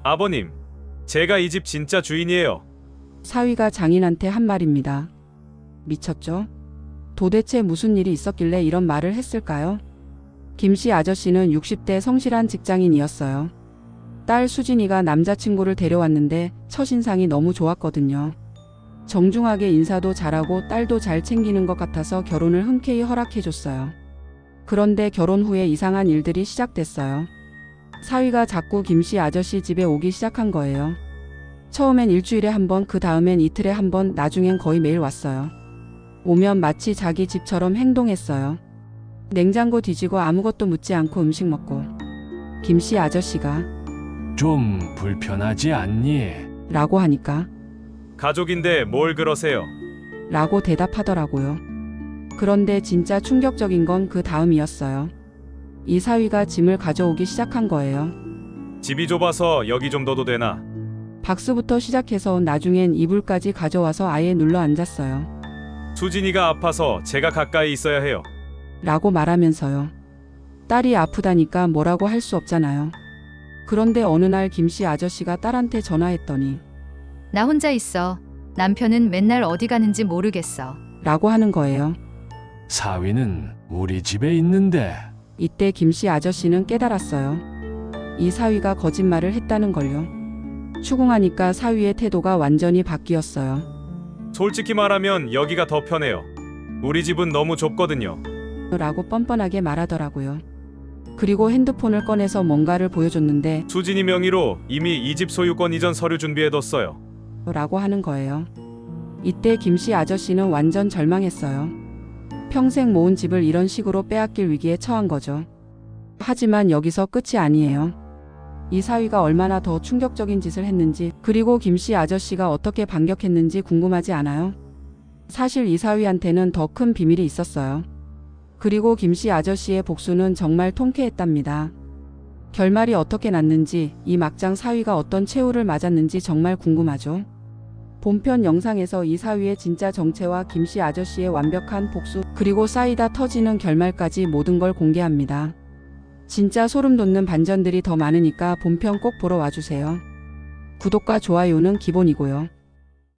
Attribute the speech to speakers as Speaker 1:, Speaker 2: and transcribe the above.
Speaker 1: 아버님, 제가 이 집 진짜 주인이에요.
Speaker 2: 사위가 장인한테 한 말입니다. 미쳤죠? 도대체 무슨 일이 있었길래 이런 말을 했을까요? 김씨 아저씨는 60대 성실한 직장인이었어요. 딸 수진이가 남자친구를 데려왔는데 첫인상이 너무 좋았거든요. 정중하게 인사도 잘하고 딸도 잘 챙기는 것 같아서 결혼을 흔쾌히 허락해줬어요. 그런데 결혼 후에 이상한 일들이 시작됐어요. 사위가 자꾸 김씨 아저씨 집에 오기 시작한 거예요. 처음엔 일주일에 한 번, 그 다음엔 이틀에 한 번, 나중엔 거의 매일 왔어요. 오면 마치 자기 집처럼 행동했어요. 냉장고 뒤지고 아무것도 묻지 않고 음식 먹고. 김씨 아저씨가
Speaker 3: 좀 불편하지 않니?
Speaker 2: 라고 하니까
Speaker 1: 가족인데 뭘 그러세요?
Speaker 2: 라고 대답하더라고요. 그런데 진짜 충격적인 건 그 다음이었어요. 이 사위가 짐을 가져오기 시작한 거예요.
Speaker 1: 집이 좁아서 여기 좀 둬도 되나?
Speaker 2: 박스부터 시작해서 나중엔 이불까지 가져와서 아예 눌러 앉았어요.
Speaker 1: 수진이가 아파서 제가 가까이 있어야 해요.
Speaker 2: 라고 말하면서요. 딸이 아프다니까 뭐라고 할 수 없잖아요. 그런데 어느 날 김씨 아저씨가 딸한테 전화했더니
Speaker 4: 나 혼자 있어. 남편은 맨날 어디 가는지 모르겠어.
Speaker 2: 라고 하는 거예요.
Speaker 3: 사위는 우리 집에 있는데.
Speaker 2: 이때 김씨 아저씨는 깨달았어요. 이 사위가 거짓말을 했다는 걸요. 추궁하니까 사위의 태도가 완전히 바뀌었어요.
Speaker 1: 솔직히 말하면 여기가 더 편해요. 우리 집은 너무 좁거든요.
Speaker 2: 라고 뻔뻔하게 말하더라고요. 그리고 핸드폰을 꺼내서 뭔가를 보여줬는데
Speaker 1: 수진이 명의로 이미 이 집 소유권 이전 서류 준비해뒀어요.
Speaker 2: 라고 하는 거예요. 이때 김씨 아저씨는 완전 절망했어요. 평생 모은 집을 이런 식으로 빼앗길 위기에 처한 거죠. 하지만 여기서 끝이 아니에요. 이 사위가 얼마나 더 충격적인 짓을 했는지, 그리고 김씨 아저씨가 어떻게 반격했는지 궁금하지 않아요? 사실 이 사위한테는 더 큰 비밀이 있었어요. 그리고 김씨 아저씨의 복수는 정말 통쾌했답니다. 결말이 어떻게 났는지, 이 막장 사위가 어떤 최후를 맞았는지 정말 궁금하죠? 본편 영상에서 이 사위의 진짜 정체와 김씨 아저씨의 완벽한 복수, 그리고 쌓이다 터지는 결말까지 모든 걸 공개합니다. 진짜 소름 돋는 반전들이 더 많으니까 본편 꼭 보러 와주세요. 구독과 좋아요는 기본이고요.